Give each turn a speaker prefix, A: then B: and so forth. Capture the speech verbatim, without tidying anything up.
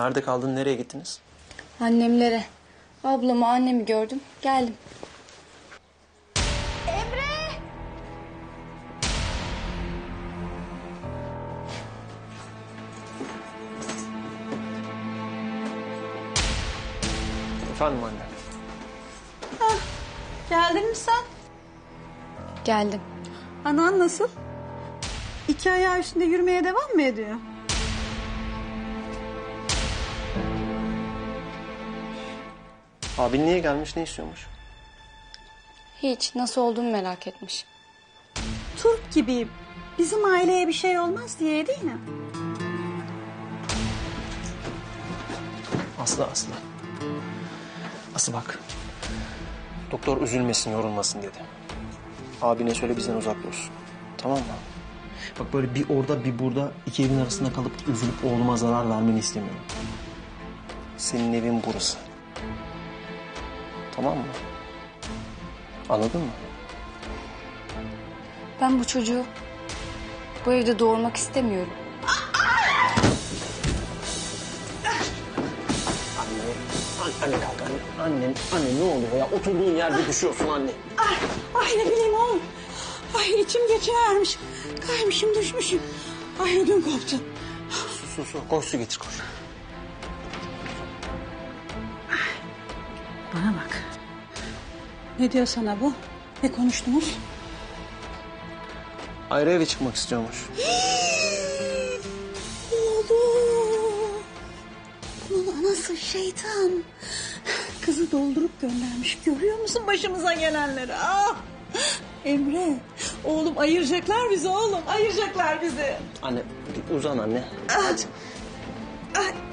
A: Nerede kaldın, nereye gittiniz?
B: Annemlere. Ablamı, annemi gördüm. Geldim.
A: Efendim anne.
C: Hah, geldin mi sen?
B: Geldim.
C: Anan nasıl? İki ayağı üstünde yürümeye devam mı ediyor?
A: Abin niye gelmiş, ne istiyormuş?
B: Hiç. Nasıl olduğumu merak etmiş.
C: Turp gibi bizim aileye bir şey olmaz diye değil mi?
A: Aslı, Aslı. Aslı bak. Doktor üzülmesin, yorulmasın dedi. Abine söyle bizden uzak dursun. Tamam mı? Bak böyle bir orada bir burada iki evin arasında kalıp üzülüp oğluma zarar vermeni istemiyorum. Senin evin burası. Tamam mı? Anladın mı?
B: Ben bu çocuğu bu evde doğurmak istemiyorum.
A: Anne, anne, anne kalk anne. Anne, anne ne oluyor ya? Oturduğun yerde düşüyorsun anne.
C: Ay, ay ne bileyim oğlum. Ay içim geçivermiş. Kaymışım düşmüşüm. Ay ödüm koptu.
A: Su, su, su. Koş su getir, koş.
C: Bana bak. Ne diyor sana bu? Ne konuştunuz?
A: Ayrı eve çıkmak istiyormuş.
C: Oğlum. Bunun anası şeytan. Kızı doldurup göndermiş. Görüyor musun başımıza gelenleri? Ah! Emre, oğlum ayıracaklar bizi oğlum. Ayıracaklar bizi.
A: Anne, uzan anne.
C: Ah! Ay,